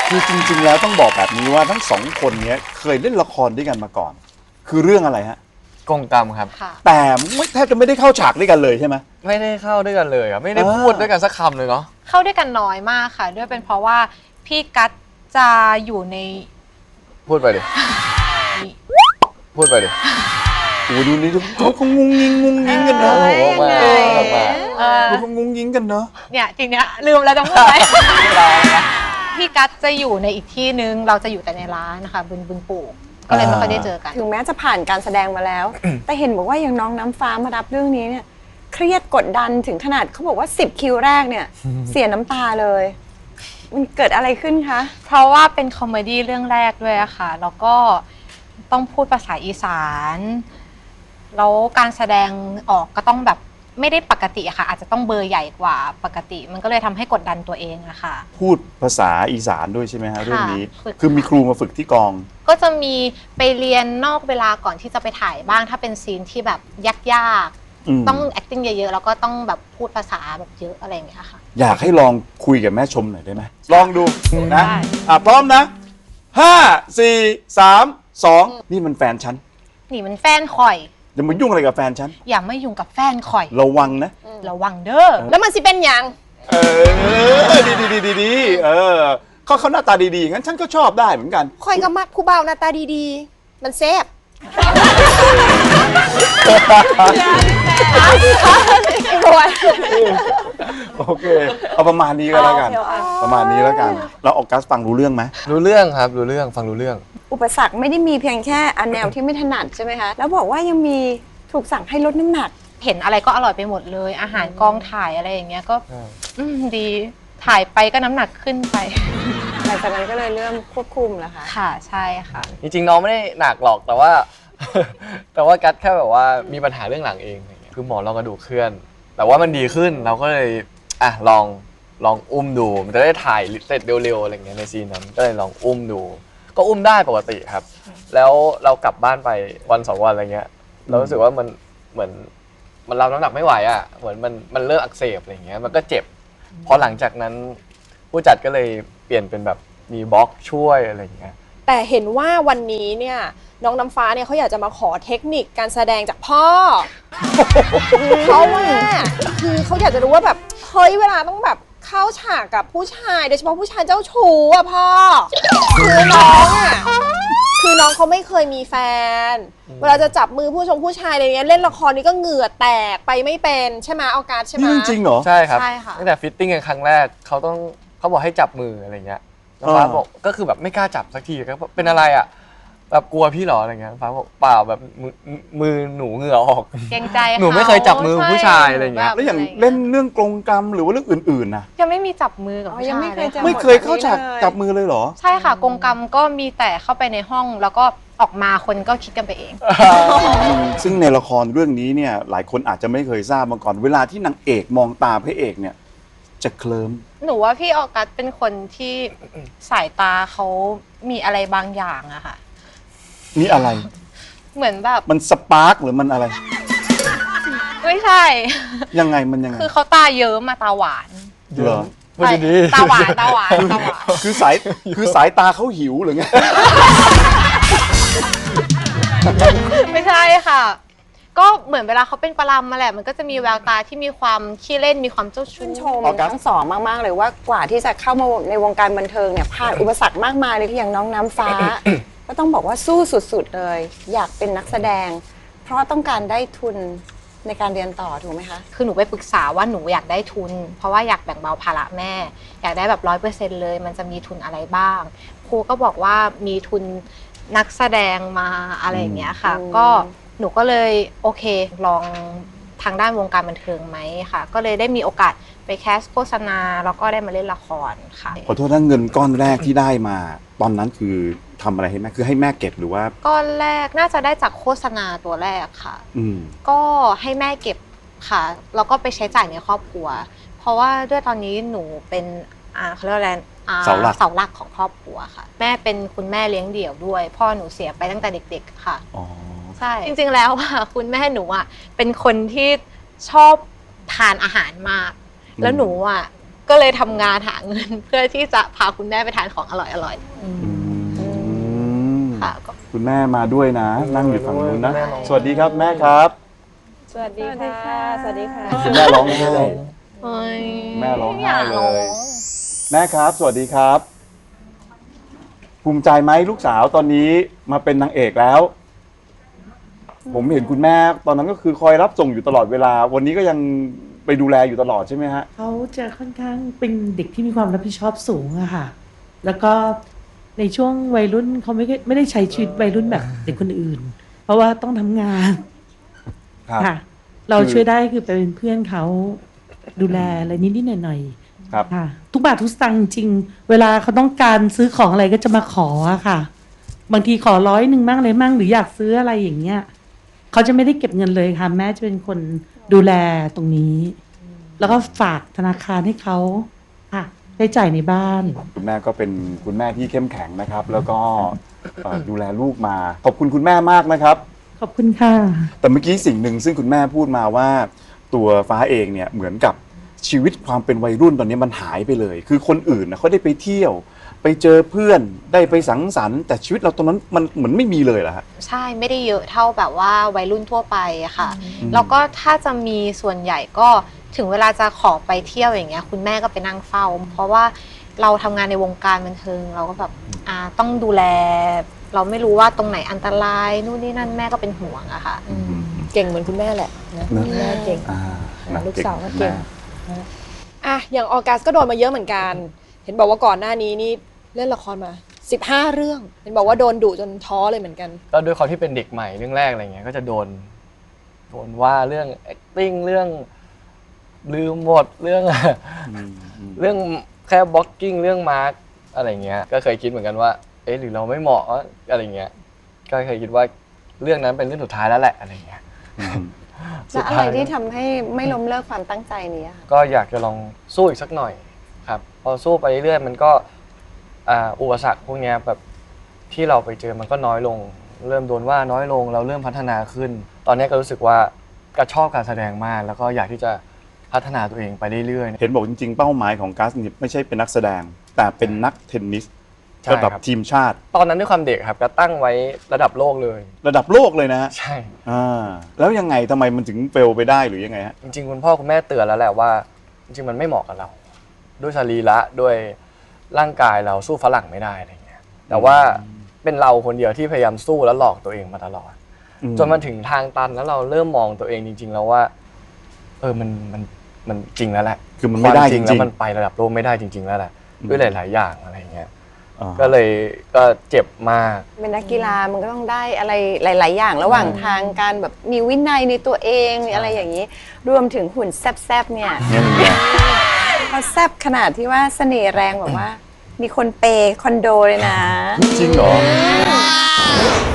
คือจริงๆแล้วต้องบอกแบบนี้ว่าทั้งสองคนเนี้ยเคยเล่นละครด้วยกันมาก่อน คือเรื่องอะไรฮะกงกรรมครับค่ะแต่แทบจะไม่ได้เข้าฉากด้วยกันเลยใช่ไหมไม่ได้เข้าด้วยกันเลยครับไม่ได้พูดด้วยกันสักคำเลยเนาะเข้าด้วยกันน้อยมากค่ะ ด้วยเป็นเพราะว่าพี่กัตจะอยู่ในพูดไปดิพูดไปดิโอ้ดูนี่เขางุ้งงิ้งกันเนอะเอ้ยยังไงดูเขางุ้งงิ้งกันเนอะเนี่ยจริงเนี้ยลืมแล้วต้องพูดไหมพี่กัตจะอยู่ในอีกที่นึงเราจะอยู่แต่ในร้านนะคะบึงปู่ก็เลยไม่ค่อยได้เจอกันถึงแม้จะผ่านการแสดงมาแล้ว แต่เห็นบอกว่าอย่างน้องน้ำฟ้ามารับเรื่องนี้เนี่ยเครียดกดดันถึงขนาดเขาบอกว่า10คิวแรกเนี่ย เสียน้ำตาเลย มันเกิดอะไรขึ้นคะเพราะว่าเป็นคอมเมดี้เรื่องแรกด้วยอะค่ะแล้วก็ต้องพูดภาษาอีสานแล้วการแสดงออกก็ต้องแบบไม่ได้ปกติอะค่ะอาจจะต้องเบอร์ใหญ่กว่าปกติ มันก็เลยทำให้กดดันตัวเองอะค่ะพูดภาษาอีสานด้วยใช่ไหมฮะเรื่องนี้ฝึกคือมีครูมาฝึกที่กองก็จะมีไปเรียนนอกเวลาก่อนที่จะไปถ่ายบ้างถ้าเป็นซีนที่แบบยากๆต้อง acting เยอะๆแล้วก็ต้องแบบพูดภาษาแบบเยอะอะไรอย่างเงี้ยค่ะอยากให้ลองคุยกับแม่ชมหน่อยได้ไหมลองดูนะได้พร้อมนะ5 4 3 2นี่มันแฟนฉันนี่มันแฟนข่อยอย่ามายุ่งอะไรกับแฟนฉันอย่ามายุ่งกับแฟนข่อยระวังนะระวังเด้อแล้วมันสิเป็นยังดีเขาหน้าตาดีๆงั้นฉันก็ชอบได้เหมือนกันคอยก็มักผู้บ่าวหน้าตาดีๆ มันแซ่บโอเคเอาประมาณนี้ก็แล้วกัน ประมาณนี้แล้วกันเราออกกัสฟังรู้เรื่องไหมรู้เรื่องครับรู้เรื่องฟังรู้เรื่องอุปสรรคไม่ได้มีเพียงแค่อันแนวที่ไม่ถนัดใช่ไหมคะแล้วบอกว่ายังมีถูกสั่งให้ลดน้ำหนักเห็นอะไรก็อร่อยไปหมดเลย อาหารกองถ่ายอะไรอย่างเงี้ยก็ดีถ่ายไปก็น้ำหนักขึ้นไปหลังจากนั้นก็เลยเริ่มควบคุมแล้วค่ะค่ะใช่ค่ะจริงๆน้องไม่ได้หนักหรอกแต่ว่า แต่ว่ากัดแค่แบบว่ามีปัญหาเรื่องหลังเองอะไรเงี้ยคือหมอรองกระดูกเคลื่อน แต่ว่ามันดีขึ้นเราก็เลยลองอุ้มดูมันจะได้ถ่ายเสร็จเร็วๆอะไรเงี้ยในซีนนั้นก็เลยลองอุ้มดู ก็อุ้มได้ปกติครับ แล้วเรากลับบ้านไปวัน2 วันอะไรเงี้ยเรารู้สึกว่ามันเหมือนมันรับน้ำหนักไม่ไหวอ่ะเหมือนมันเริ่มอักเสบอะไรเงี้ยมันก็เจ็บพอหลังจากนั้นผู้จัดก็เลยเปลี่ยนเป็นแบบมีบล็อกช่วยอะไรเงี้ยแต่เห็นว่าวันนี้เนี่ยน้องน้ำฟ้าเนี่ยเขาอยากจะมาขอเทคนิคการแสดงจากพ่อ เพราะว่าคือเขาอยากจะรู้ว่าแบบเฮ้ยเวลาต้องแบบเข้าฉากกับผู้ชายโดยเฉพาะผู้ชายเจ้าชู้อ่ะพ่อคือน้องอ่ะคือน้องเขาไม่เคยมีแฟน เวลาจะจับมือผู้ชายอะไรเงี้ยเล่นละครนี่ก็เหงื่อแตกไปไม่เป็นใช่ไหมเอาการใช่ไหมนี่เรื่องจริงเหรอใช่ครับใช่ค่ะตั้งแต่ฟิตติ้งกันครั้งแรกเขาบอกให้จับมืออะไรเงี้ยน้องฟ้าบอกก็คือแบบไม่กล้าจับสักทีก็เป็นอะไรอ่ะแบบกลัวพี่เหรออะไรเงี้ยน้องฟ้าบอกเปล่าแบบมือหนูเหงื่อออกเกรงใจหนูไม่เคยจับมือผู้ชายอะไรเงี้ยแล้วอย่างเล่นเรื่องกรงกรรมหรือว่าเรื่องอื่นๆนะยังไม่มีจับมือกับอ๋อผู้ยังชายไม่เคยเลยเจอค่ะไม่เคยเข้าฉากจับมือเลยเหรอใช่ค่ะกรงกรรมก็มีแต่เข้าไปในห้องแล้วก็ออกมาคนก็คิดกันไปเองซึ่งในละครเรื่องนี้เนี่ยหลายคนอาจจะไม่เคยทราบมาก่อน เวลาที่นางเอกมองตาพระเอกเนี่ยจะเคลิ้มหนูว่าพี่ออกัสเป็นคนที่สายตาเขามีอะไรบางอย่างอะค่ะนี่อะไรเหมือนแบบมันสปาร์กหรือมันอะไรไม่ใช่ยังไงมันยังไงคือเขาตาเยิ้มมาตาหวานเหรอพูดดีๆตาหวานตาหวานตาหวานคือสายตาเขาหิวหรือไงไม่ใช่ค่ะ ก็เหมือนเวลาเขาเป็นปลามาแหละมันก็จะมีแววตาที่มีความขี้เล่นมีความเจ้าชู้ชื่นชมออกัสทั้งสองมากๆเลยว่ากว่าที่จะเข้ามาในวงการบันเทิงเนี่ยผ่านอุปสรรคมากมายเลยที่อย่างน้องน้ำฟ้า ก็ต้องบอกว่าสู้สุดๆเลย อยากเป็นนักแสดง เพราะต้องการได้ทุนในการเรียนต่อถูกไหมคะคือหนูไปปรึกษาว่าหนูอยากได้ทุน เพราะว่าอยากแบ่งเบาภาระแม่ อยากได้แบบ100%เลย มันจะมีทุนอะไรบ้างครูก็บอกว่ามีทุนนักแสดงมาอะไรอย่างเงี้ยค่ะอืมก็หนูก็เลยโอเคลองทางด้านวงการบันเทิงไหมค่ะ ก็เลยได้มีโอกาสไปแคสโฆษณาแล้วก็ได้มาเล่นละครค่ะขอโทษนะเงินก้อนแรกที่ได้มา ตอนนั้นคือทำอะไรให้แม่คือให้แม่เก็บหรือว่าก้อนแรกน่าจะได้จากโฆษณาตัวแรกค่ะอืมก็ให้แม่เก็บค่ะ แล้วก็ไปใช้จ่ายในครอบครัว เพราะว่าด้วยตอนนี้หนูเป็นเขาเรียกว่าอะไรเสาหลักของครอบครัวค่ะ แม่เป็นคุณแม่เลี้ยงเดี่ยวด้วย พ่อหนูเสียไปตั้งแต่เด็กๆค่ะอ๋อใช่ จริงๆแล้วอะคุณแม่หนูอะเป็นคนที่ชอบทานอาหารมาก แล้วหนูอะก็เลยทำงานหาเงิน เพื่อที่จะพาคุณแม่ไปทานของอร่อยๆค่ะก็คุณแม่มาด้วยนะ นั่งอยู่ฝั่งนู้นนะแม่ร้องสวัสดีครับแม่ครับสวัสดีค่ะ สวัสดีค่ะคุณแม่ร้องไห้เอ้ยแม่ร้องไห้ากเลร้องย แม่ครับ สวัสดีครับ ภูมิใจไหมลูกสาวตอนนี้มาเป็นนางเอกแล้ว ผมเห็นคุณแม่ตอนนั้นก็คือคอยรับส่งอยู่ตลอดเวลา วันนี้ก็ยังไปดูแลอยู่ตลอดใช่ไหมฮะเขาจะค่อนข้างเป็นเด็กที่มีความรับผิดชอบสูงอะค่ะ แล้วก็ในช่วงวัยรุ่นเขาไม่ได้ใช้ชีวิตวัยรุ่นแบบเด็กคนอื่น เพราะว่าต้องทำงานครับค่ะ เราช่วยได้คือไปเป็นเพื่อนเขาดูแลอะไรนิดๆหน่อยครับๆค่ะ ทุกบาททุกสตางค์จริงเวลาเขาต้องการซื้อของอะไรก็จะมาขออะค่ะ บางทีขอ100มั่งเลยมั่งหรืออยากซื้ออะไรอย่างเงี้ยเขาจะไม่ได้เก็บเงินเลยค่ะ แม่จะเป็นคนดูแลตรงนี้ แล้วก็ฝากธนาคารให้เขาค่ะใช้จ่ายในบ้านคุณแม่ก็เป็นคุณแม่ที่เข้มแข็งนะครับ แล้วก็ดูแลลูกมา ขอบคุณคุณแม่มากนะครับขอบคุณค่ะแต่เมื่อกี้สิ่งหนึ่งซึ่งคุณแม่พูดมาว่า ตัวฟ้าเองเนี่ยเหมือนกับชีวิตความเป็นวัยรุ่นตอนนี้มันหายไปเลย คือคนอื่นนะเขาได้ไปเที่ยว ไปเจอเพื่อนได้ไปสังสรรค์แต่ชีวิตเราตอนนั้นมันเหมือนไม่มีเลยเหรอฮะใช่ไม่ได้เยอะเท่าแบบว่าวัยรุ่นทั่วไปอะค่ะ แล้วก็ถ้าจะมีส่วนใหญ่ก็ถึงเวลาจะขอไปเที่ยวอย่างเงี้ยคุณแม่ก็ไปนั่งเฝ้า เพราะว่าเราทำงานในวงการบันเทิงเราก็แบบต้องดูแล เราไม่รู้ว่าตรงไหนอันตรายนู่นนี่นั่นแม่ก็เป็นห่วงอะค่ะเก่งเหมือนคุณแม่แหละนะนะแม่เก่งนะลูกสาวก็เก่งแม่อ่ะอย่างออกัสก็โดนมาเยอะเหมือนกัน เห็นบอกว่าก่อนหน้านี้นี่เล่นละครมา15เรื่อง เห็นบอกว่าโดนดุจนท้อเลยเหมือนกันก็ด้วยความที่เป็นเด็กใหม่เรื่องแรกอะไรเงี้ยก็จะโดนว่าเรื่อง acting เรื่องลืมหมดเรื่อง เรื่องแค่บล็อกกิ้งเรื่องมาร์กอะไรเงี้ยก็เคยคิดเหมือนกันว่าเอ๊ะหรือเราไม่เหมาะวะอะไรเงี้ยก็เคยคิดว่าเรื่องนั้นเป็นเรื่องสุดท้ายแล้วแหละอะไรเงี้ยแล้วอะไรที่ทำให้ไม่ล้มเลิกความตั้งใจนี้อะคะก็อยากจะลองสู้อีกสักหน่อยครับพอสู้ไปเรื่อยๆมันก็อุปสรรคพวกเนี้ยแบบที่เราไปเจอมันก็น้อยลง เริ่มโดนว่าน้อยลงเราเริ่มพัฒนาขึ้น ตอนนี้ก็รู้สึกว่ากระชอบการแสดงมาก แล้วก็อยากที่จะพัฒนาตัวเองไปเรื่อยๆเห็นบอกจริงๆเป้าหมายของกัสเนี่ยไม่ใช่เป็นนักแสดง แต่เป็นนักเทนนิสใช่ระดับครับทีมชาติตอนนั้นด้วยความเด็กครับก็ตั้งไว้ระดับโลกเลยระดับโลกเลยนะฮะใช่แล้วยังไงทำไมมันถึงเฟลไปได้หรือยังไงฮะจริงๆคุณพ่อคุณแม่เตือนแล้วแหละว่า จริงๆมันไม่เหมาะกับเรา ด้วยสรีระด้วยร่างกายเราสู้ฝรั่งไม่ได้อะไรเงี้ยแต่ว่าเป็นเราคนเดียวที่พยายามสู้และหลอกตัวเองมาตลอด จนมาถึงทางตันแล้วเราเริ่มมองตัวเองจริง ๆ แล้วว่ามันจริงแล้วแหละคือมันไม่ได้ควาจริงๆแล้วมันไประดับโลกไม่ได้จริง ๆ แล้วแหละด้วยหลาย ๆ อย่างอะไรเงี้ยอ่าก็เลยก็เจ็บมากเป็นนักกีฬามันก็ต้องได้อะไรหลาย ๆ อย่างระหว่างทางการแบบมีวินัยในตัวเองมีอะไรอย่างนี้ รวมถึงหุ่นแซบๆเนี่ยเนี่ยมันไงเขาแซบขนาดที่ว่าเสน่ห์แรงแบบว่า มีคนเปย์คอนโดเลยนะจริงเหรอ